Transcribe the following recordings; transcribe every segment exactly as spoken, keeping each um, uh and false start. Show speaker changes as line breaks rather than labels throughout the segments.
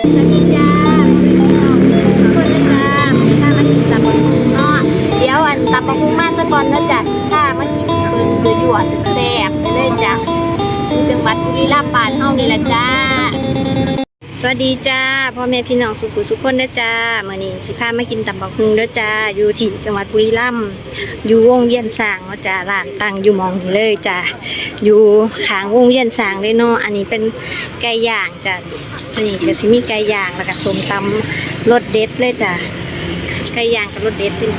สวัสดีจ้าพี่น้องทุกคนนะจ้าถ้ามากินตับปะฮุงเนาะเดี๋ยวอันตับปะฮุงมาซะก่อนนะจ้ะถ้ามากินเบิ่งเดือดยั่วแซ่บไปเลยจ้ะจังหวัดบุรีรัมย์บ้านเฮานี่แหละจ้าสวัสดีจ้าพ่อแม่พี่น้องสุขุสุขคนนะจ้ามื้อนี้สิพามากินตับปะฮุงเด้อจ้าอยู่ที่จังหวัดบุรีรัมย์อยู่วงเวียนสร้างเนาะจ้าร้านตั้งอยู่หม้องนี้เลยจ้าอยู่ข้างวงเวียนสร้างเลยเนาะอันนี้เป็นไก่ย่างจ้านี่ก็สิมีไก่ย่างแล้วก็ส้มตำรสเด็ดเลยจ้าไก่ย่างกับรสเด็ดเป็น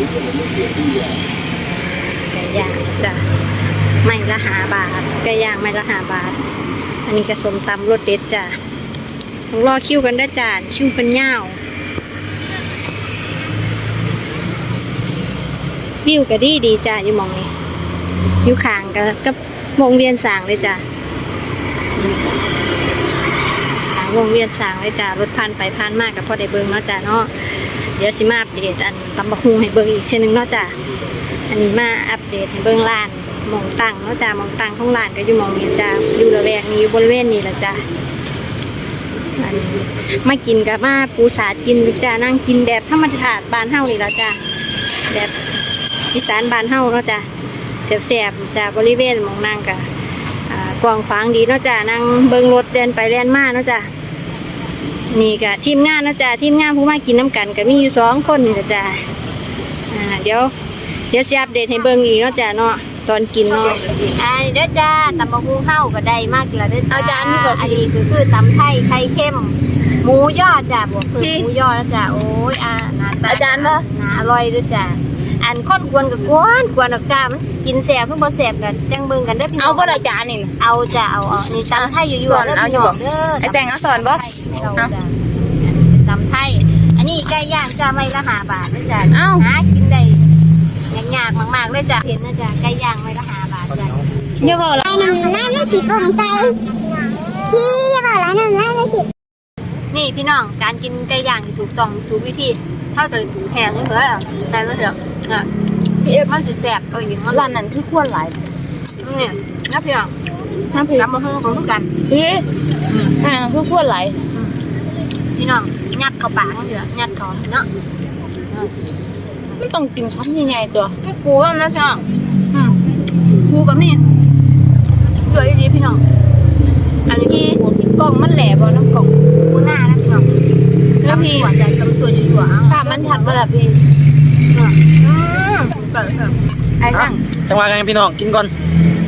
ไก่ย่างจ้าไม่ละห้าบาทไก่ย่างไม่ละห้าบาทอันนี้ก็ส้มตำรสเด็ดจ้าต้องรอคิวกันได้จ้าคิวเป็นยาววิวก็ดีดีจ้าอยู่มองนี้อยู่ข้างกับกับวงเวียนสร้างเลยจ้าข้างวงเวียนสร้างเลยจ้ารถผ่านไปผ่านมากกับพ่อได้เบิ้งเนาะจ้าเนาะเดี๋ยวสิมาอัปเดตอันตำบักหุ่งให้เบิ้งอีกเช่นนึงเนาะจ้าอันนี้มาอัปเดตให้เบิ้งร้านมองตั้งเนาะจ้ามองตั้งของร้านก็อยู่มองนี้จ้าอยู่ระแวกนี้อยู่บริเวณนี้แหละจ้ามากินกับมาปูสาดกินจ้านั่งกินแบบธรรมชาติบ้านเฮานี่ละจ้าแบบอีสานบ้านเฮาเนาะจ้าแซ่บๆจ้าบริเวณมองนั่งกับกว้างขวางดีเนาะจ้านั่งเบิ่งรถเดินไปเดินมาเนาะจ้านี่กับทีมงานเนาะจ้าทีมงานผู้มากินน้ำกันก็มีอยู่สองคนนี่ละจ้าเดี๋ยวเดี๋ยวจะอัปเดตให้เบิ่งอีกเนาะจ้าเนาะตอนกินเนาะอันนี้เด้อจ้าตำบักหุ่งเฮาก็ได้มากแล้วเด้อจ้าอาจารย์นี่บอกอันนี้คือคือตำไทยไข่เค็มหมูยอจ้าบวกเพิ่มหมูยอแล้วจ้าโอ้ยอ่าอาจารย์ป่ะอร่อยด้วยจ้าอันค้นกวนกับกวนกวนออกจ้ามันกินแสบเพิ่งบ่แสบกันจังเบิ่งกันเด้อพี่น้อง
เอาบ่ได้จานนี่
เอาจ้าเอาเอานี่ตำไทยอยู่ๆเด้อพี่น้องเด้อ
ไอ้แซงเอาสอนบ่
เอาจ้าตำไทยอันนี้ไก่ย่างจ้าไม่ละห้าบาทเด้อจ้าหากินได้ยากๆมากๆเลยจ้าเห็นนะจ้าไก่ย่างไม่ละห้าบาทจ้า
อย่าบอกละ
ไอ้น้ำน้ำน้ำสีโปร่งใสพี่อย่าบอกละน้ำน้ำน้ำสี
นี่พี่น้องการกินไก่ย่างที่ถูกต้องถูกวิธีถ้าเกิดถูกแพงนี่เหรอแต่ก็เถอะนะพี่มันสิแสบเอาอย่างนั้น
ร้านนั้นคือควรหลาย
นี่นะพี่น้อง
น้ำพริก
น้ำมะฮือของทุกกัน
พี่ร้านนั้นคือควรหลาย
พี่น้องยัดเข้าปากเถอะยัดเข้าเนาะ
ไม่ต้องกินคำใหญ่ๆตัว
ไม่ปูนะพี่น้องปูกับนี่เกลือดีพี่น้องอันนี้พี่
กล่องมันแหลบ่น้ำกล่อง
ปูหน้านะพี่น้องแล้วพี่หัวใจกำชวนอยู่หัว
ภาพมันชัดเลยอ่ะพี่
อืมเปิดเถอะไอ้ทั้ง
จังหวะกันพี่น้องกินก่อน